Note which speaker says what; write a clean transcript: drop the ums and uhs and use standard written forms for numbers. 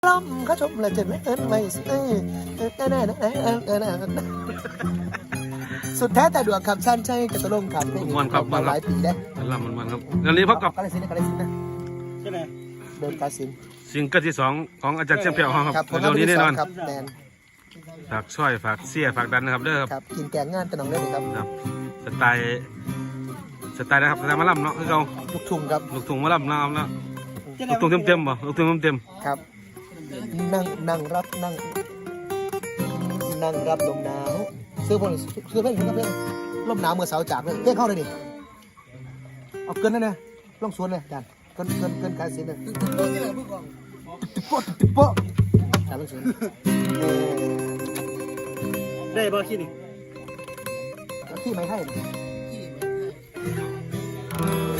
Speaker 1: ล้ำเขาชมเลยจะไม่ไม่สุดแท้แต่ดวงคำสั้นใช่กระตลงครับมาหลายปีได้
Speaker 2: ลำมันครับงานนี้พบกับ
Speaker 1: กาลสินธุ์นะใช่ไหมเดินกาลสิน
Speaker 2: ซิงเกิลที่2ของอาจารย์เชียงเปียวครับเร็วนี้แน่นอนฝากช่วยฝากเสียฝากดันนะครับเด้อ
Speaker 1: ครับกินแกงงานตะนองได้เลยครับ
Speaker 2: สไตล์นะครับสไตล์มะล่ำเนาะคือเรา
Speaker 1: ลูกทุ่งครับ
Speaker 2: ลูกทุ่งมะล่ำนะครับนะลูกทุ่งเต็มบ่ลูกทุ่งเต็ม
Speaker 1: ครับนั่งรับลมหนาวซื้อเพลงลมหนาวเมื่อเสาร์จากเลยเพ่งเข้าเลยดิเอาเกินนั่นนะล่องสวนเลยจานเกินการเสียเลยติ๊บโป๊ะจานล่องสวน
Speaker 3: ได้บ่ขี้นี่
Speaker 1: ที่ไม่ให้